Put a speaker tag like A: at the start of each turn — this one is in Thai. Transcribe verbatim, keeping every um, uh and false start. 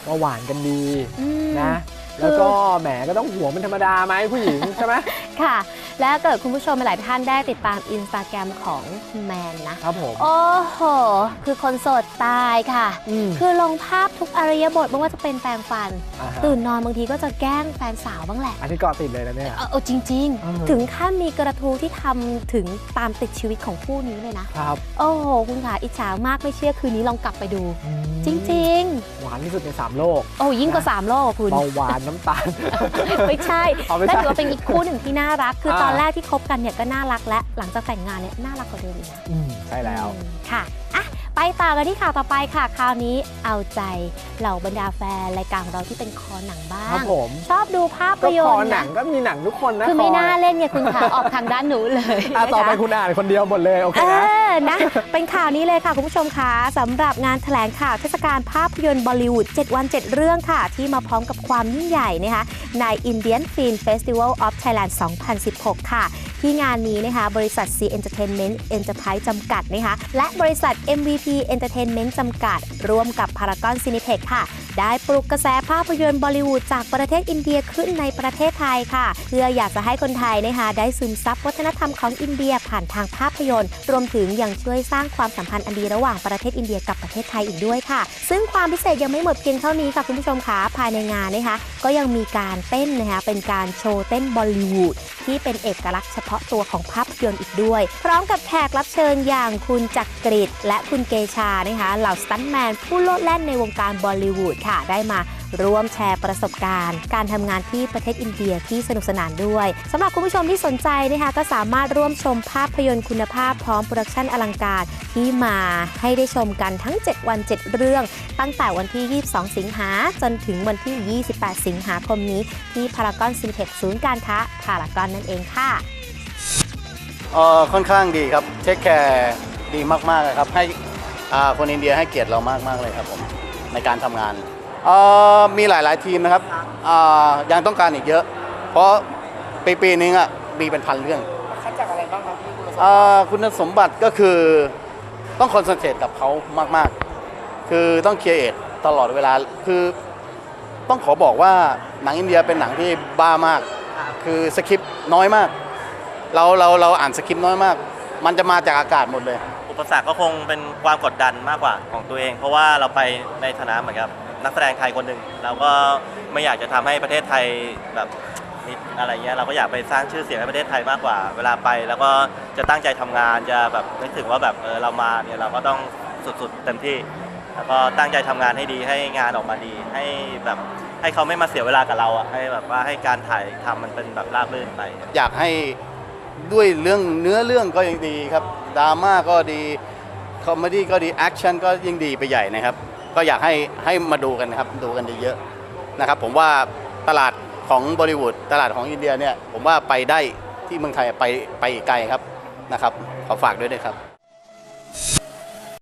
A: ก็หวานกันดีนะแล้วก็แหมก็ต้องห่วงเป็นธรรมดาไหมผู้หญิงใช่ไหม
B: ค่ะและเกิดคุณผู้ชมหลายท่านได้ติดตามอินสตาแกรมของแมนนะครับ
A: ผม
B: โอ้โหคือคนโสดตายค่ะคือลงภาพทุกอริยบทไม่ว่าจะเป็นแปรงฟันตื่นนอนบางทีก็จะแกล้งแฟนสาวบ้างแหละ
A: อันนี้เกาะติดเลยนะเนี่ย
B: เออจริงๆถึงขั้นมีกระทู้ที่ทำถึงตามติดชีวิตของคู่นี้เลยนะครับโอ้โหคุณขาอิจฉามากไม่เชื่อคืนนี้ลองกลับไปดูจริง
A: ๆหวานที่สุดในสามโลก
B: โอ้ยิ่งกว่าสามโลกคุณ
A: เบาหวานน้ำตาล
B: ไม่ใช่และถือว่าเป็นอีกคู่หนึ่งที่น่ารักคือตอนแรกที่คบกันเนี่ยก็น่ารักและหลังจากแต่งงานเนี่ยน่ารักกว่าเดิมอีกนะ
A: ใช่แล้ว
B: ค่ะอ่ะไปต่อกันที่ข่าวต่อไปค่ะคราวนี้เอาใจเหล่าบรรดาแฟนรายการของเราที่เป็นคอหนังบ้างชอบดูภาพยนตร์
A: คอหนังก็มีหนังทุกคนนะ
B: คือไม่น่าเล่นไงคุณขาออกทางด้านหนูเลย
A: ต่อไปคุณอ่านคนเดียวหมดเลยโอเคนะ
B: นะเป็นข่าวนี้เลยค่ะคุณผู้ชมคะสำหรับงานแถลงข่าวเทศกาลภาพยนตร์บอลลีวูดเจ็ดวันเจ็ดเรื่องค่ะที่มาพร้อมกับความยิ่งใหญ่นะคะใน Indian Film Festival of Thailand สองพันสิบหก ค่ะที่งานนี้นะคะบริษัท C Entertainment Enterprise จำกัดนะคะและบริษัท เอ็ม วี พี Entertainment จำกัดร่วมกับ Paragon Cineplex ค่ะได้ปลุกกระแสภาพยนตร์บอลลีวูดจากประเทศอินเดียขึ้นในประเทศไทยค่ะเพื่ออยากจะให้คนไทยนะคะได้ซึมซับวัฒนธรรมของอินเดียผ่านทางภาพยนตร์รวมถึงยังช่วยสร้างความสัมพันธ์อันดีระหว่างประเทศอินเดียกับประเทศไทยอีกด้วยค่ะซึ่งความพิเศษยังไม่หมดเพียงเท่านี้ค่ะคุณผู้ชมคะภายในงานนะคะก็ยังมีการเต้นนะคะเป็นการโชว์เต้นบอลลีวูดที่เป็นเอกลักษณ์เฉพาะตัวของภาพยนตร์อีกด้วยพร้อมกับแขกรับเชิญอย่างคุณจักริดและคุณเกชานะคะเหล่าสตันท์แมนผู้โลดแล่นในวงการบอลลีวูดค่ะได้มาร่วมแชร์ประสบการณ์การทำงานที่ประเทศอินเดียที่สนุกสนานด้วยสำหรับคุณผู้ชมที่สนใจนะคะก็สามารถร่วมชมภาพยนตร์คุณภาพพร้อมโปรดักชันอลังการที่มาให้ได้ชมกันทั้งเจ็ดวันเจ็ดเรื่องตั้งแต่วันที่ยี่สิบสองสิงหาจนถึงวันที่ยี่สิบแปดสิงหาคมนี้ที่พารากอนซินิเพ็กซ์ศูนย์การค้าพารากอนนั่นเองค่ะ
C: เอ่อค่อนข้างดีครับเทคแคร์ดีมากๆครับให้คนอินเดียให้เกียรติเรามากๆเลยครับผมในการทำงานมีหลายๆทีมนะครับยังต้องการอีกเยอะเพราะปีปีนึงอ่ะมีเป็นพันเรื่องคัดจากอะไรบ้างครับคุณสมบัติก็คือต้องคอนเซนเทรตกับเขามากๆคือต้องเคลียร์เอทตลอดเวลาคือต้องขอบอกว่าหนังอินเดียเป็นหนังที่บ้ามากคือสคริปต์น้อยมากเราเราเราอ่านสคริปต์น้อยมากมันจะมาจากอากาศหมดเลย
D: อุปสรรคก็คงเป็นความกดดันมากกว่าของตัวเองเพราะว่าเราไปในฐานะเหมือนกับนักแสดงไทยคนหนึ่งเราก็ไม่อยากจะทำให้ประเทศไทยแบบนิดอะไรเงี้ยเราก็อยากไปสร้างชื่อเสียงให้ประเทศไทยมากกว่าเวลาไปแล้วก็จะตั้งใจทำงานจะแบบนึกถึงว่าแบบเออเรามาเนี่ยเราก็ต้องสุดๆเต็มที่แล้วก็ตั้งใจทำงานให้ดีให้งานออกมาดีให้แบบให้เขาไม่มาเสียเวลากับเราอ่ะให้แบบว่าให้การถ่ายทำมันเป็นแบบราบรื่นไป
C: อยากให้ด้วยเรื่องเนื้อเรื่องก็ยังดีครับดราม่าก็ดีคอมเมดี้ก็ดีแอคชั่นก็ยิ่งดีไปใหญ่นะครับก็อยากให้ให้มาดูกันนะครับดูกันเยอะๆนะครับผมว่าตลาดของบอลิวูดตลาดของอินเดียเนี่ยผมว่าไปได้ที่เมืองไทยไปไปไกลครับนะครับขอฝากด้วยด้วยครับ